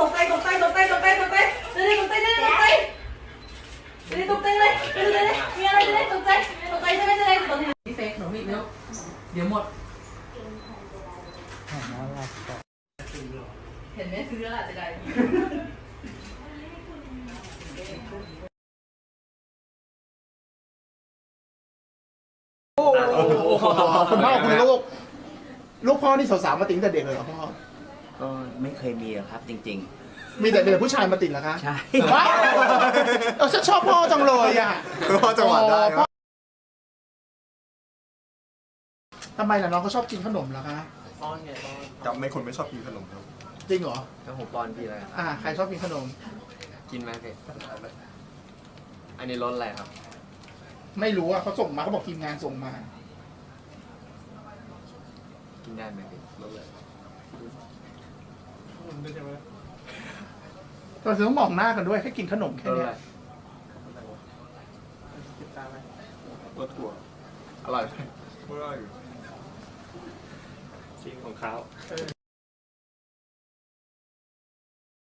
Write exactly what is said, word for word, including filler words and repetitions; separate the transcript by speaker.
Speaker 1: ตกใจตกใจตกใจตกใจตกใจเดี๋ยวตกใจเดี๋ยวตกใจเดี๋ยวตกใจเลยเดี๋ยวเดี๋ยวมีอะไรเดี๋ยวตกใจตกใจใช่ไหมใช่ไหมตกใจพี่เฟกหนูพี่เดี๋ยวเดี๋ยวหมดเห็นไหมซื้อแล้วจะได้
Speaker 2: โอ้คุณพ่อคุณลูกลูกพ่อนี่สาวๆมาติดแต่เด็กเลยเหรอพ่อ
Speaker 3: ก็ไม่เคยมีครับจริง
Speaker 2: ๆมีแต่เด็กผู้ชายมาติดเหรอคะ
Speaker 3: ใช่
Speaker 2: ว้าวเออฉันชอบพ่อจังเลยอ่ะ
Speaker 4: พ่อจังหวะได้ครับ
Speaker 2: ทำไมล่ะน้องเขาชอบกินขนมเหรอคะ
Speaker 5: ป้อนไงป้อน
Speaker 4: จำไม่คนไม่ชอบกินขนมครับ
Speaker 2: จริงเหรอ
Speaker 5: แล้วผมป้อนพี่อะไร
Speaker 2: อ่าใครชอบกินขนม
Speaker 5: กินไหมพี่อันนี้รสอะไรครับ
Speaker 2: ไม่รู้อ่ะเขาส่งมาเขาบอกทีมงานส่งมา
Speaker 5: กินได้ไหมพี่รสอะไร
Speaker 2: เราจะต้องมองหน้ากันด้วยให้กินขนมแค่นี้
Speaker 4: รสถั่ว
Speaker 5: อร่อยไหม
Speaker 4: ไม่ได้อยู่
Speaker 5: จริงของเขา